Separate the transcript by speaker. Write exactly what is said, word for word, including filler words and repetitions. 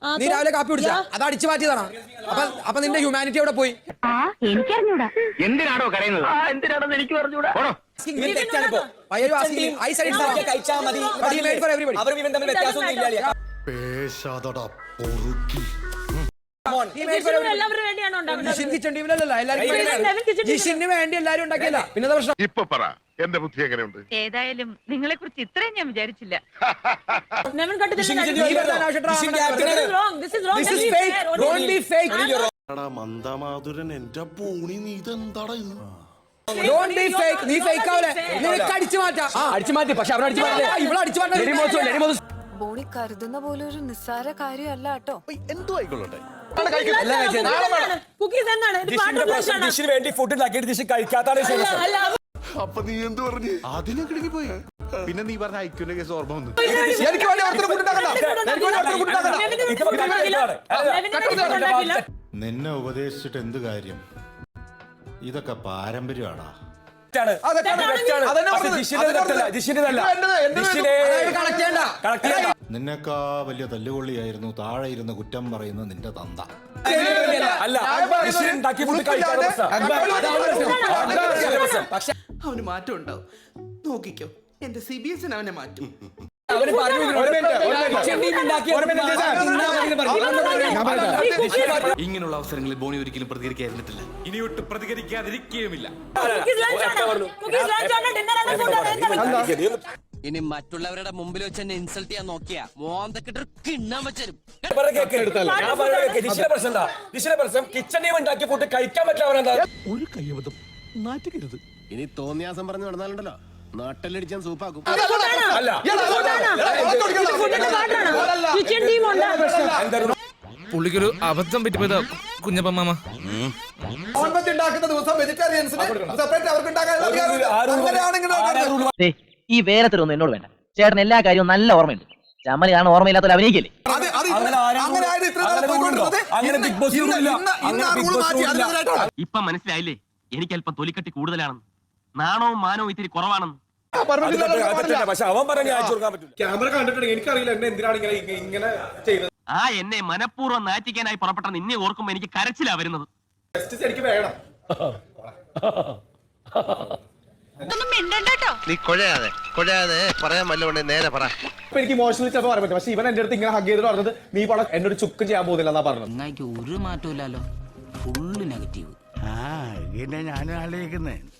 Speaker 1: നീ രാവിലെ കാപ്പി കുടിച്ചാ അത് അടിച്ചു മാറ്റിയതാണ്. അപ്പൊ അപ്പൊ നിന്റെ ഹ്യൂമാനിറ്റി അവിടെ പോയി.
Speaker 2: എനിക്കറിഞ്ഞൂടാ
Speaker 3: എന്തിനാണോ കരയുന്നത്?
Speaker 2: എന്തിനാണെന്ന് എനിക്ക് പറഞ്ഞൂടാ.
Speaker 1: ജിഷിന് വേണ്ടി എല്ലാരും ഉണ്ടാക്കിയല്ല. പിന്നെ പ്രശ്നം
Speaker 4: ഇപ്പൊ പറ, എന്റെ ബുദ്ധി എങ്ങനെയുണ്ട്?
Speaker 2: ഏതായാലും നിങ്ങളെ കുറിച്ച് ഇത്രയും ഞാൻ വിചാരിച്ചില്ല.
Speaker 5: മന്ദമാതുരൻ എന്റെ പൂണി നീ ഇതെന്താടാ ഇത്?
Speaker 1: നീ ഫേക്ക് ആവല്ലേ? നിനക്ക് അടിച്ചു മാറ്റാം. അടിച്ചു മാറ്റി. പക്ഷെ അവിടെ അടിച്ചു മാറ്റില്ല. ഇവിടെ അടിച്ചു മാറ്റാം.
Speaker 6: ബോണി കരുതുന്ന പോലെ ഒരു നിസ്സാര കാര്യമല്ല കേട്ടോ.
Speaker 5: എന്തോ ആയിക്കൊള്ളട്ടെ.
Speaker 3: വേണ്ടി ഫുഡ് ഉണ്ടാക്കിയിട്ട് ഡിഷ് കഴിക്കാത്താണ്.
Speaker 5: അപ്പൊ നീ എന്ത് പറഞ്ഞു? അതിനെ കിടങ്ങി പോയി. പിന്നെ നീ പറഞ്ഞ ഐക്യന്റെ കേസ് ഓർമ്മ വന്നു.
Speaker 1: എനിക്ക് വേണ്ടി ഒരുത്തരം ഫുഡ് ഉണ്ടാക്കണ്ട.
Speaker 5: നിന്നെ ഉപദേശിച്ചിട്ട് എന്ത് കാര്യം? ഇതൊക്കെ പാരമ്പര്യമാടാ. നിന്നെക്കാ വലിയ തല്ലുകൊള്ളിയായിരുന്നു താഴെ ഇരുന്ന് കുറ്റം പറയുന്ന നിന്റെ തന്ത.
Speaker 7: അവന് മാറ്റം ഉണ്ടാവും. നോക്കിക്കോ, എന്റെ സി ബി എസിന് അവനെ മാറ്റും.
Speaker 8: ഇങ്ങനെയുള്ള അവസരങ്ങളിൽ ബോണി ഒരിക്കലും പ്രതികരിക്കാതിരുന്നിട്ടില്ല. ഇനിയൊട്ട് പ്രതികരിക്കാതിരിക്കുകയുമില്ല.
Speaker 9: ഇനി മറ്റുള്ളവരുടെ മുമ്പിൽ വെച്ച് എന്നെ ഇൻസൾട്ട് ചെയ്യാൻ നോക്കിയാ മോന്തക്കിട്ട് കിണ്ണാൻ വെച്ചരും.
Speaker 5: ഒരു കയ്യബദ്ധം നാറ്റുകരുത്.
Speaker 9: ഇനി തോന്നിയാസം പറഞ്ഞു നടന്നാലുണ്ടല്ലോ നാട്ടിലടിച്ചാൻ സൂപ്പാക്കും.
Speaker 8: പുള്ളിക്കൊരു അബദ്ധം പറ്റിപ്പോയതാ കുഞ്ഞപ്പ മാമ.
Speaker 10: ഈ വേലത്തിലൊന്നും എന്നോട് വേണ്ട. ചേട്ടൻ എല്ലാ കാര്യവും നല്ല ഓർമ്മയുണ്ട്. ചമ്മലാണ് ഓർമ്മയില്ലാത്ത അഭിനയിക്കല്ലേ.
Speaker 9: ഇപ്പൊ മനസ്സിലായില്ലേ എനിക്ക് അല്പം തൊലിക്കട്ടി കൂടുതലാണെന്ന്. നാണവും മാനവും ഇത്തിരി കുറവാണെന്ന്.
Speaker 3: ക്യാമറ കണ്ടിട്ടുണ്ടെങ്കിൽ എനിക്കറിയില്ല എന്നെ എന്തിനാണ് ഇങ്ങനെ ഇങ്ങനെ ചെയ്തത്.
Speaker 9: ആ എന്നെ മനഃപൂർവ്വം നാറ്റിക്കാനായി പുറപ്പെട്ട നിന്നെ ഓർക്കുമ്പോ എനിക്ക് കരച്ചിലാ വരുന്നത്.
Speaker 3: എനിക്ക് വേണം.
Speaker 4: നീ കൊഴയാതെ കൊഴയാതെ പറയാൻ വല്ലതുകൊണ്ട് നേരെ പറ.
Speaker 3: ഇപ്പൊ എനിക്ക് ഇമോഷണലി ചിലപ്പോൾ പറയാൻ പറ്റും. പക്ഷെ ഇവൻ എന്റെ അടുത്ത് ഇങ്ങനെ ഹഗ് ചെയ്തിട്ട് പറഞ്ഞത് നീ പടം എന്നോട് ചുക്കും ചെയ്യാൻ പോകുന്നില്ല എന്നാ പറഞ്ഞത്.
Speaker 9: ഒരു മാറ്റമില്ലല്ലോ, ഫുള്ള് നെഗറ്റീവ്.
Speaker 5: ആ ഇങ്ങനെ ഞാനും ആലോചിക്കുന്നേ.